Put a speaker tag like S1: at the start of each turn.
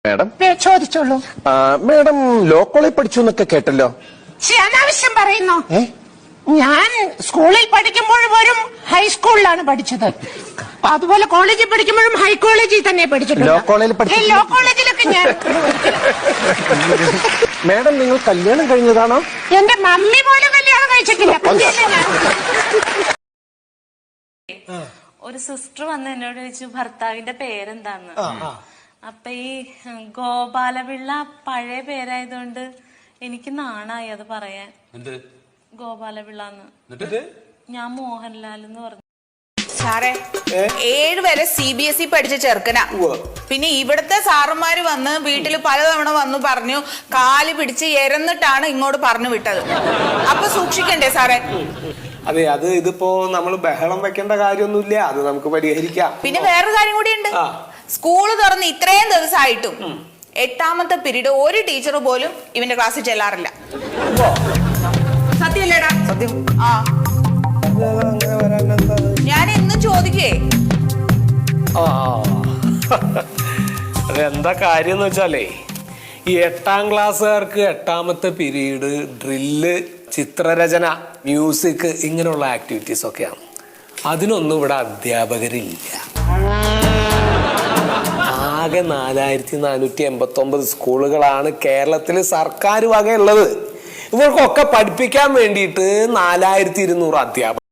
S1: Madam
S2: ചോദിച്ചോളൂ.
S1: Madam law കോളേജിൽ പഠിച്ചു എന്നൊക്കെ കേട്ടല്ലോ.
S2: അനാവശ്യം പറയുന്നു. ഞാൻ സ്കൂളിൽ പഠിക്കുമ്പോൾ പോലും ഹൈസ്കൂളിലാണ് പഠിച്ചത്. അതുപോലെ കോളേജിൽ പഠിക്കുമ്പോഴും ഹൈ കോളേജിൽ തന്നെ പഠിച്ചിട്ടുണ്ട്.
S1: ലോ കോളേജിൽ
S2: ലോ കോളേജിലൊക്കെ ഞാൻ.
S1: മാഡം നിങ്ങൾ കല്യാണം കഴിഞ്ഞതാണോ?
S2: എന്റെ മമ്മി പോലും കല്യാണം കഴിച്ചിട്ടില്ല.
S3: ഒരു സിസ്റ്റർ വന്ന് എന്നോട് ചോദിച്ചു ഭർത്താവിന്റെ പേരെന്താന്ന്. അപ്പൊ ഈ ഗോപാലപിള്ള പഴയ പേരായതുകൊണ്ട് എനിക്ക് നാണായി അത് പറയാൻ. ഗോപാലപിള്ളന്ന് ഞാൻ മോഹൻലാൽ എന്ന് പറഞ്ഞു.
S4: സാറേ 7 വരെ CBSE പഠിച്ച ചെറുക്കനാ. പിന്നെ ഇവിടുത്തെ സാറന്മാര് വന്ന് വീട്ടിൽ പലതവണ വന്നു പറഞ്ഞു, കാല് പിടിച്ച് എരന്നിട്ടാണ് ഇങ്ങോട്ട് പറഞ്ഞു വിട്ടത്. അപ്പൊ സൂക്ഷിക്കണ്ടേ സാറേ?
S5: അതെ, അത് ഇതിപ്പോ നമ്മൾ ബഹളം വെക്കേണ്ട കാര്യമൊന്നുമില്ല, അത് നമുക്ക് പരിഹരിക്കാം.
S4: പിന്നെ വേറൊരു കാര്യം കൂടി ഉണ്ട്. സ്കൂള് തുറന്ന് ഇത്രയും ദിവസമായിട്ടും 8ാമത്തെ പീരീഡ് ഒരു ടീച്ചർ പോലും ഇവന്റെ ക്ലാസ്സിൽ ചെല്ലാറില്ല. സത്യമല്ലേടാ?
S5: സത്യം.
S4: ആ, ഞാൻ ഇന്നും ചോദിക്കേ.
S5: അതെന്താ കാര്യം എന്ന് വെച്ചാലേ, ഈ 8ാം ക്ലാസ്സുകാർക്ക് 8ാമത്തെ പീരീഡ് ഡ്രില്ല്, ചിത്രരചന, മ്യൂസിക് ഇങ്ങനെയുള്ള ആക്ടിവിറ്റീസ് ഒക്കെയാണ്. അതിനൊന്നും ഇവിടെ അധ്യാപകരില്ല. ആകെ 4489 സ്കൂളുകളാണ് കേരളത്തിൽ സർക്കാർ വകയുള്ളത്. ഇവർക്കൊക്കെ പഠിപ്പിക്കാൻ വേണ്ടിയിട്ട് 4200 അധ്യാപകർ.